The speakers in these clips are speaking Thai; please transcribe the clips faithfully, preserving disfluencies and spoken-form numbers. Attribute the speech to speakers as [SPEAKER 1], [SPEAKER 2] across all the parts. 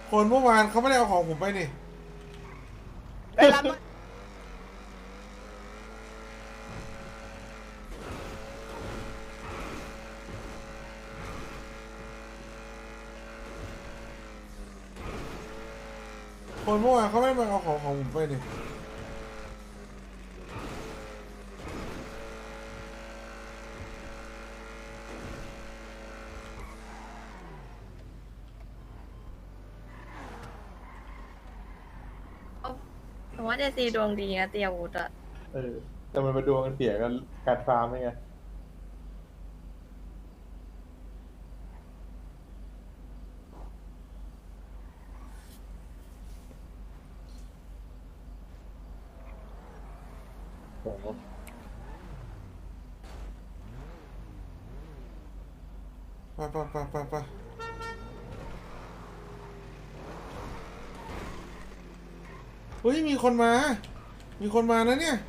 [SPEAKER 1] คนเมื่อวานเขาไม่ได้เอาของผมไปนี่
[SPEAKER 2] ไปรับ
[SPEAKER 1] คนเมื่อวานเขาไม่ได้มาเอาของของผมไปนี่
[SPEAKER 3] ผมว่าเจซีดวงดีนะเตียวุฒอะ
[SPEAKER 4] เออแต่มันมาดวงกันเสียกันการฟาร์มไงโอ้โห
[SPEAKER 1] ไปไปไปไปไปเฮ้ยมีคนมา มีคนมานะเนี่ย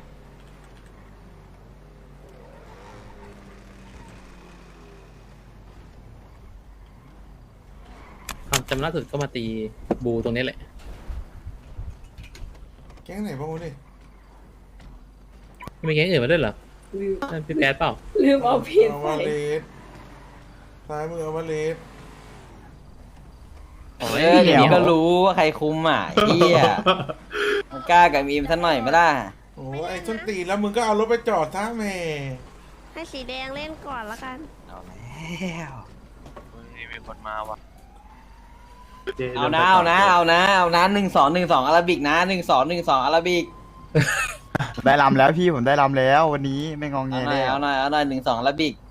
[SPEAKER 5] ความจำล่าสุดก็มาตีบูตรงนี้แหละ
[SPEAKER 1] แก๊งไหนบ้างวะนี่
[SPEAKER 5] ไม่มีแก๊งอื่นมาด้วยเหรอนั่นพี่แป๊ดเปล่า
[SPEAKER 3] ลืมเอาผิด
[SPEAKER 1] เอา
[SPEAKER 3] ไป
[SPEAKER 1] วาเลสซ้ายมือเอาวาเลส
[SPEAKER 2] เออเดี๋ยวก็รู้ว่าใครคุมอ่ะเฮียมันกล้ากับมีมสักหน่อยไม่ได้
[SPEAKER 1] โอ้ไอ้ส้นตีนแล้วมึงก็เอารถไปจอดท่าแม่
[SPEAKER 3] ให้สีแดงเล่นก่อนละกัน
[SPEAKER 2] เอาแล้ว
[SPEAKER 6] มีคนมาว่ะ
[SPEAKER 2] เอานะเอานะเอานะเอานะหนึ่งสองหนึ่งสองอาราบิกนะหนึ่งสองหนึ่งสองอาราบิก
[SPEAKER 7] ได้ลำแล้วพี่ผมได้ลำแล้ววันนี้ไม่งองแง
[SPEAKER 2] เอาหน่
[SPEAKER 7] เล
[SPEAKER 2] อย
[SPEAKER 7] ย
[SPEAKER 2] เอาหน่อยเอาหน่อยหนึ่งสองอาราบิก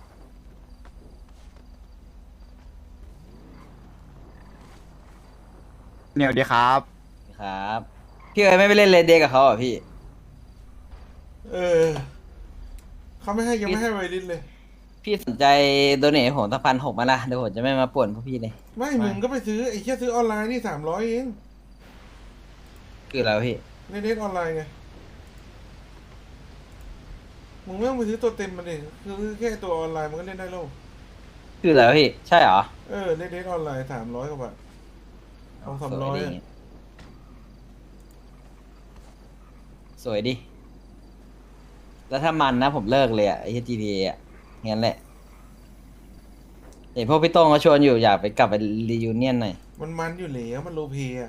[SPEAKER 7] เหนียวดีครับ
[SPEAKER 2] ครับพี่เอ๋ไม่ไปเล่นเลดเดย์กับเขาเหรอพี่
[SPEAKER 1] เออเขาไม่ให้ยังไม่ให้ไวริสเลย
[SPEAKER 2] พี่สนใจโดเนทให้ผมสักพันหกมาละเดี๋ยวผมจะไม่มาป่วนพวกพี่เลย
[SPEAKER 1] ไม่มึงก็ไปซื้อไอ้แค่ซื้อออนไลน์นี่สามร้อยเอง
[SPEAKER 2] คืออะไรวะพี่
[SPEAKER 1] ในเน็ตออนไลน์ไงมึงไม่ต้องไปซื้อตัวเต็มมันดิคือแค่ตัวออนไลน์มันก็เล่นได้แล้ว
[SPEAKER 2] คืออะไรวะพี่ใช่เหรอ
[SPEAKER 1] เออในเน็ตออนไลน์สามร้อยกว่าบาทสองสามร้อย
[SPEAKER 2] สวยดิสวยดิแล้วถ้ามันนะผมเลิกเลยอ่ะไอ้ จี ที เอ อ่ะงั้นแหละเห็นพวกพี่โต้งเขาชวนอยู่อยากไปกลับไปรียูเนียนหน่อย
[SPEAKER 1] มันมันอยู่แล้วมันโลเพอะ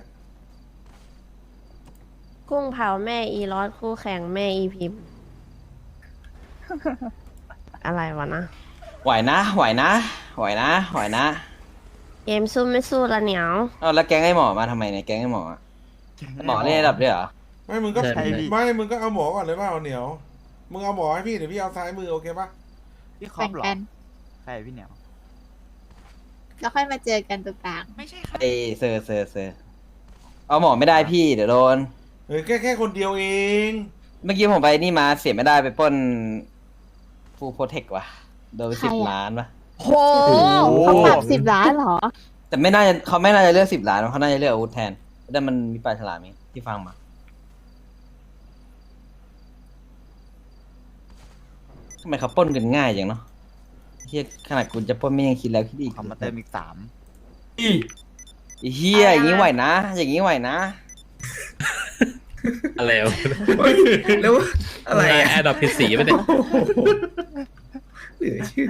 [SPEAKER 3] กุ้งเผาแม่อีรอสคู่แข่งแม่อีพิมพ์ อะไรวะนะ
[SPEAKER 2] ไหวนะไหวนะไหวนะไหวนะ
[SPEAKER 3] เกมสู้ไม่สู้ละเหนียว
[SPEAKER 2] เอ้าแล้วแก๊งไอ้หมอมาทำไมเนี่ยแก๊งไอ้หมออะหมอเล่นระดับด้วยเหรอ
[SPEAKER 1] ไม่มึงก็
[SPEAKER 5] ใช่พี่
[SPEAKER 1] ไม่มึงก็เอาหมอก่อนเลยเปล่าเหนียวมึงเอาหมอให้พี่เดี๋ยวพี่เอาซ้ายมือโอเคปะ
[SPEAKER 7] พี่คอมเหรอ
[SPEAKER 8] แบ่ง
[SPEAKER 7] ใช่พี่เหนียว
[SPEAKER 8] ๆแล้วค่อยมาเจอกันตรงกลาง
[SPEAKER 6] ไม่ใช่ค่ะ
[SPEAKER 2] เอยเซอร์เซอร์เซอร์เอาหมอไม่ได้พี่เดี๋ยวโดน
[SPEAKER 1] เฮ้ยแค่แค่คนเดียวเอง
[SPEAKER 2] เมื่อกี้ผมไปนี่มาเสียไม่ได้ไปปล้นฟูโปรเทคว่ะโดนไป
[SPEAKER 8] ใคร
[SPEAKER 2] สิบ
[SPEAKER 8] อะ
[SPEAKER 2] ล้านวะ
[SPEAKER 8] โหเขาปรับสิบล้านเหรอ
[SPEAKER 2] แต่ไม่น่าจะเขาไม่น่าจะเลือกสิบล้านเขาน่าจะเลือกอาวุธแทนแต่มันมีปลายฉลามไหมที่ฟังมาทำไมเขาปล้นกันง่ายอย่างเนาะเฮียขนาดคุณจะปล้นไม่ยังคิดแล้วคิดอีก
[SPEAKER 7] คอมมาเติมอีกสาม
[SPEAKER 2] ไอ้เฮียอย่างนี้ไหวนะ อย่างนี้ไหวนะ
[SPEAKER 5] อะไรวะ
[SPEAKER 9] แล้วอะไรอ่ะ
[SPEAKER 5] แอดดอปผิดสีไปเนี่ย
[SPEAKER 9] เหลือเชื่อ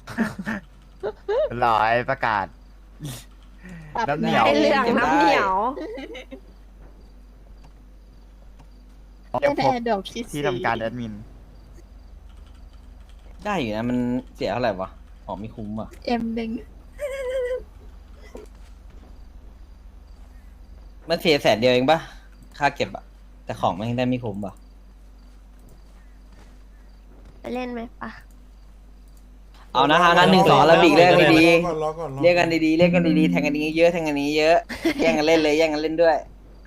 [SPEAKER 7] ร้อยประกาศ น้ำเหนียว
[SPEAKER 3] ไอเหลืองน้ำเหนียว
[SPEAKER 7] เก็บ
[SPEAKER 8] เป็น
[SPEAKER 7] พบ
[SPEAKER 8] แอร์ดรอปที่
[SPEAKER 7] ที่
[SPEAKER 8] สี่
[SPEAKER 7] ทำการแอดมิน
[SPEAKER 2] ได้อยู่นะมันเสียเท่าไหร่วะหอมไม่คุ้มอ่ะ
[SPEAKER 8] เอ็มหนึ่ง
[SPEAKER 2] มันเสียแสนเดียวเองปะค่าเก็บอะแต่ของมันได้ไม่คุ้มปะ
[SPEAKER 3] ไปเล่นไหมปะ
[SPEAKER 2] เอานะเอานะหนึ่งสองอาราบิกเรียกกันดี
[SPEAKER 1] รอก่อนรอก่อน
[SPEAKER 2] ๆเรียกกันดีๆเรียกกันดีๆแทงกันนี้เยอะแทงกันนี้เยอะแย่งกันเล่นเลยแย่งกันเล่นด้วย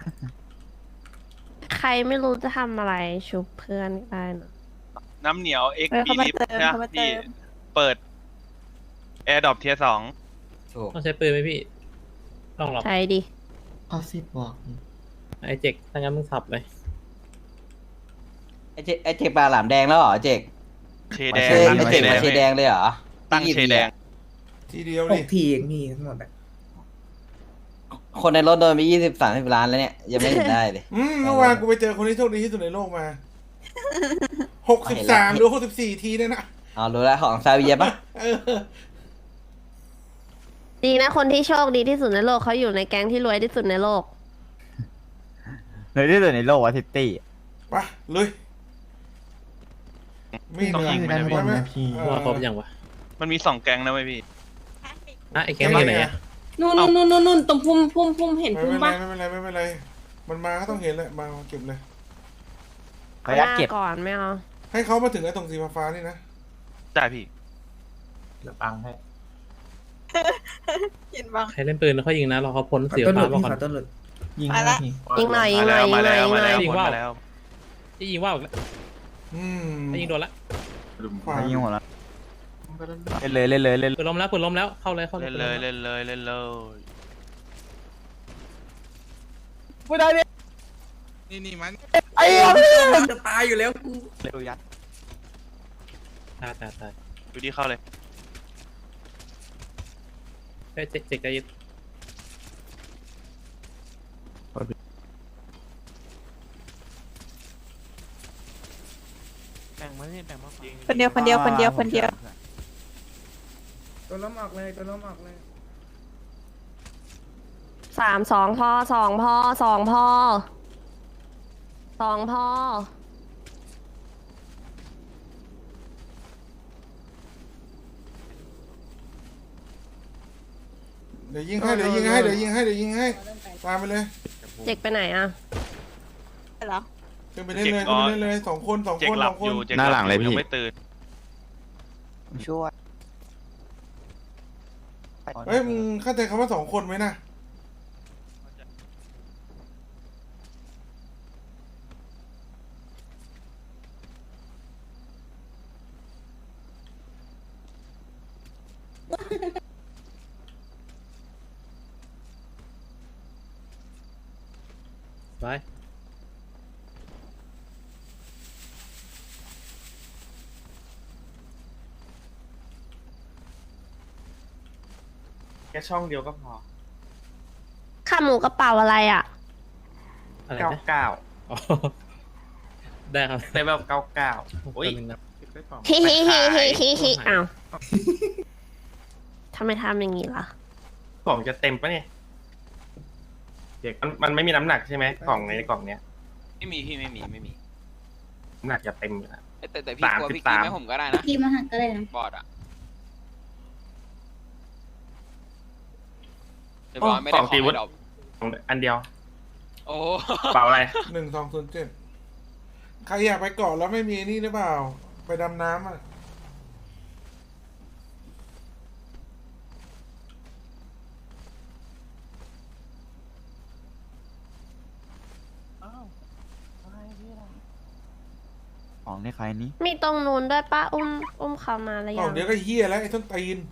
[SPEAKER 3] ใครไม่รู้จะทำอะไรชุบเพื่อนก็ได้นะ
[SPEAKER 6] น้ำเหนียวเอ็ก
[SPEAKER 8] เออ
[SPEAKER 6] บี
[SPEAKER 8] เขามา
[SPEAKER 6] ลิฟ
[SPEAKER 8] เติม
[SPEAKER 6] นะ
[SPEAKER 8] เขามาเติ
[SPEAKER 6] พี่
[SPEAKER 8] ม
[SPEAKER 6] เปิดแอร์ดรอปเทียสอง
[SPEAKER 2] ถูก
[SPEAKER 5] ต้องใช้ปืนไหมพี่ ต้องหรอก
[SPEAKER 3] ใช่ดิ
[SPEAKER 9] เอาสิบบอก
[SPEAKER 5] ไอเจ็กถ้างั้นมึงขับเลย
[SPEAKER 2] ไอเจไอเจกปลาหลามแดงแล้วเหรอเจก
[SPEAKER 6] เชแดง
[SPEAKER 2] เช
[SPEAKER 6] ตั้ง
[SPEAKER 2] ไอ
[SPEAKER 6] เช
[SPEAKER 2] เจก
[SPEAKER 6] แด
[SPEAKER 2] มาง เชแดงเลยเหรอ
[SPEAKER 6] ตั้งเชแดง
[SPEAKER 1] ทีเดียว
[SPEAKER 9] ห
[SPEAKER 1] ดิ
[SPEAKER 9] กทีเองพี่ทั้งหมดอะ
[SPEAKER 2] คนในรถโดนไปยี่สิบสามสิบล้านแล้วเนี่ย ยังไม่เห็นได้เลย
[SPEAKER 1] อืมเมื่อวานกูไปเจอคนที่โชคดีที่สุดในโลกมาหกสิบสามหรือหกสิบสี่ทีเนี่ยนะ
[SPEAKER 2] เอารู้แล้วของซาเวียปะ
[SPEAKER 1] เออ
[SPEAKER 3] ดีนะคนที่โชคดีที่สุดในโลกเขาอยู่ในแก๊งที่รวยที่สุดในโลก
[SPEAKER 7] เลยที่สุดในโลกวะทิตตี้
[SPEAKER 1] ไปเลยไม่เหนื่อย
[SPEAKER 9] อยู่ด้านบนนะพี่
[SPEAKER 1] เออ
[SPEAKER 5] ว่าครบยังวะ
[SPEAKER 6] มันมีสองแก๊งนะเว้ยพี่
[SPEAKER 5] อ่ะไอ้แก๊งอยู่ไหนอะ
[SPEAKER 10] นู่นนู่นนู่นนู่นนู่นตรงพุ่มพุ่มพุ่มเห็น
[SPEAKER 1] ไม่
[SPEAKER 10] พุ่ม
[SPEAKER 1] เป็นไร
[SPEAKER 10] ปะ
[SPEAKER 1] ไม่เป็นไรไม่เป็นไรมันมาก็ต้องเห็นแหละมาเก็บเลย
[SPEAKER 7] ขออนุญาตเก็บ
[SPEAKER 3] หน้ก่อนไม่เอา
[SPEAKER 1] ให้เขามาถึงไอ้ตรงสีฟ้าๆนี่นะ
[SPEAKER 6] ได้พี่
[SPEAKER 4] เดี๋ยวปังให้
[SPEAKER 8] ยินบ้าง
[SPEAKER 5] ใครเล่นปืนแล้วเขายิงนะรอเขาพ้น
[SPEAKER 9] ขอ
[SPEAKER 5] เสีย
[SPEAKER 9] ต้นห
[SPEAKER 5] ฟ้า
[SPEAKER 9] ลุด
[SPEAKER 5] มา
[SPEAKER 9] พี่
[SPEAKER 5] ก่อน
[SPEAKER 9] ขอต้นหลุดยิง
[SPEAKER 8] มา
[SPEAKER 9] นะ
[SPEAKER 8] ละ
[SPEAKER 9] พี่
[SPEAKER 3] ยิงหน่อยยิง
[SPEAKER 6] มา
[SPEAKER 3] หน่
[SPEAKER 6] แล้
[SPEAKER 3] อ
[SPEAKER 6] วย
[SPEAKER 3] ยิง
[SPEAKER 6] มา
[SPEAKER 3] หน่
[SPEAKER 6] แล้
[SPEAKER 3] อ
[SPEAKER 6] วย
[SPEAKER 3] ยิงหน่อย
[SPEAKER 6] มาแล้วมาแล้ว
[SPEAKER 5] ที่ยิงว่าวอีกแล้ว
[SPEAKER 1] อืม
[SPEAKER 5] ให้ยิงโดนละ
[SPEAKER 1] ขวา
[SPEAKER 7] ยิงหัวแล้วเล่นเลยเล่นเลยเล่นเลย
[SPEAKER 5] ปืนล้มแล้วปืนล้มแล้วเข้าเลยเข้าเล
[SPEAKER 6] เล่
[SPEAKER 5] ย
[SPEAKER 6] นเลยเล่นเลยเล่นเลย
[SPEAKER 7] ไม่ได้เนี่ย
[SPEAKER 9] นี่นี่มัน
[SPEAKER 7] ไอ้เหี้ย
[SPEAKER 9] จะตายอยู่แล้วกู
[SPEAKER 7] เร็วยัด
[SPEAKER 5] ตายตายตาย
[SPEAKER 6] ดูดีเข้าเลย
[SPEAKER 5] เฮ้ยเจ๊กเจ๊กใจเย็น
[SPEAKER 8] คนเดียวคนเดียวคนเดียวคนเดียว
[SPEAKER 9] ตัวล้มออกเลยตัวล้มออกเลย
[SPEAKER 3] สามสองพอสองพอสองพอสองพอ
[SPEAKER 1] เดี๋ยวยิงให้เดี๋ยวยิงให้เดี๋ยวยิงให้เดี๋ยวยิงให้ตามไปเลย
[SPEAKER 3] เจ็กไปไหนอ่ะ
[SPEAKER 8] เหรอ
[SPEAKER 1] ขึ้นไปเล่นเลยขึ้นไปเล่นเลยสองคนสอง
[SPEAKER 6] เจ็ก
[SPEAKER 1] คน
[SPEAKER 6] หลั
[SPEAKER 1] ส
[SPEAKER 6] บ
[SPEAKER 1] องค
[SPEAKER 6] อน ยู่เจ็ก
[SPEAKER 7] หน้าหลังเลย
[SPEAKER 6] บอ
[SPEAKER 7] พี่
[SPEAKER 6] ยังไม่ตื่น
[SPEAKER 7] ช่วย
[SPEAKER 1] เฮ้ยมึงเข้าใจคำว่าสองคนไหมนะ
[SPEAKER 5] ไป
[SPEAKER 6] แค่ช่องเดียวก็พอ
[SPEAKER 3] ข้าหมูกระเป๋าอะไรอ่ะ
[SPEAKER 5] อะไร
[SPEAKER 6] เก้า
[SPEAKER 5] นะ
[SPEAKER 6] เก้า
[SPEAKER 5] อ๋อได้ครับ
[SPEAKER 6] เต็มแบบเก้าเก้าโอ้ย
[SPEAKER 5] แป๊บนึงนะ
[SPEAKER 3] ฮิฮิฮิฮิฮิฮิอ้าวทำไมทำอย่างนี้ล่ะ
[SPEAKER 6] กล่องจะเต็มปะเนี่ยเด็กมันมันไม่มีน้ำหนักใช่ไหมกล่องในกล่องเนี้ย
[SPEAKER 11] ไม่มีพี่ไม่มีไม่มี
[SPEAKER 6] น้ำหนักจะเต็มอยู่แล้ว
[SPEAKER 11] เอ้ยแต่แต่พี่
[SPEAKER 6] สาม
[SPEAKER 11] กลัว
[SPEAKER 6] สิบ
[SPEAKER 11] พี่กิน
[SPEAKER 6] สาม
[SPEAKER 11] ให้ผมก็ได้นะ
[SPEAKER 8] พี่มาหักก็เลยนะ
[SPEAKER 11] บอดอ่ะเดี๋ยว
[SPEAKER 6] โอ้
[SPEAKER 11] บอดไม่ได้
[SPEAKER 6] ของ
[SPEAKER 11] ขอ
[SPEAKER 6] ตี
[SPEAKER 11] ง
[SPEAKER 6] วุ
[SPEAKER 11] ให้
[SPEAKER 6] ฒิ
[SPEAKER 11] ดอก
[SPEAKER 6] อันเดียว
[SPEAKER 11] โอ้
[SPEAKER 6] เปล่าอะไร
[SPEAKER 1] หนึ่งสองศูนย์เจ็ดใครอยากไปเกาะแล้วไม่มีนี่หรือเปล่า ไปดำน้ำอ่ะ
[SPEAKER 7] ของในใครนี้
[SPEAKER 3] มีตรงนู้นด้วยป้าอุ้มอุ้มเขามาแล้ว
[SPEAKER 1] กล่
[SPEAKER 3] ยั
[SPEAKER 1] อง
[SPEAKER 3] ง
[SPEAKER 1] เดียวก็เฮียแล้วไอ้ต้นตีน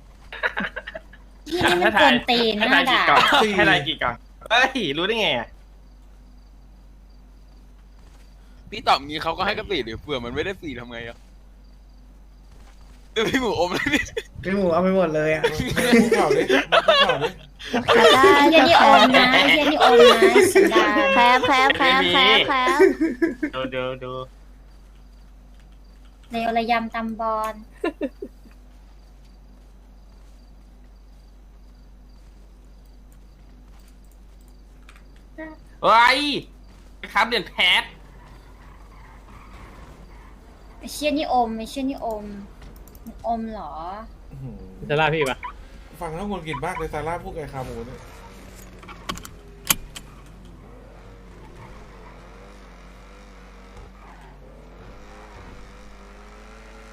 [SPEAKER 8] พี่นี่มันกวนตีน
[SPEAKER 6] ให้
[SPEAKER 8] หน้า
[SPEAKER 6] ทายกี่
[SPEAKER 8] ด่า
[SPEAKER 6] กล่อง
[SPEAKER 1] สี่
[SPEAKER 6] ให้ทายกี่กล่องเฮ้ยรู้ได้ไงอะ
[SPEAKER 11] พี่ตอบงี้เขาก็ให้กระสีหรือเผื่อมันไม่ได้สีทำไงอ่ะเดี๋ยวพี่หมูอมเลยพี่
[SPEAKER 9] พี่หมูเอาไปหมดเลยอ่ะ
[SPEAKER 1] มึงพูดข่าวดิมึงพูดข่าวดิ
[SPEAKER 3] ได้
[SPEAKER 8] เฮียนี่อมนะเฮียนี่อมนะสันดาน
[SPEAKER 3] แคบแคบแคบแคบแคบ
[SPEAKER 6] ดูดูดู
[SPEAKER 8] เลวระยำตำบอล
[SPEAKER 6] เฮ้ยครับเดือนแพท
[SPEAKER 8] ไอ้เชี่ยนี่อมไอ้เชี่ยนี่อมมันอมเหรอ
[SPEAKER 1] อื้อหือ
[SPEAKER 5] จะล่าพี่ปะ
[SPEAKER 1] ฟังแล้วงุนกินมากเลยซาร่าพูดไก่คาหมูเนี่ย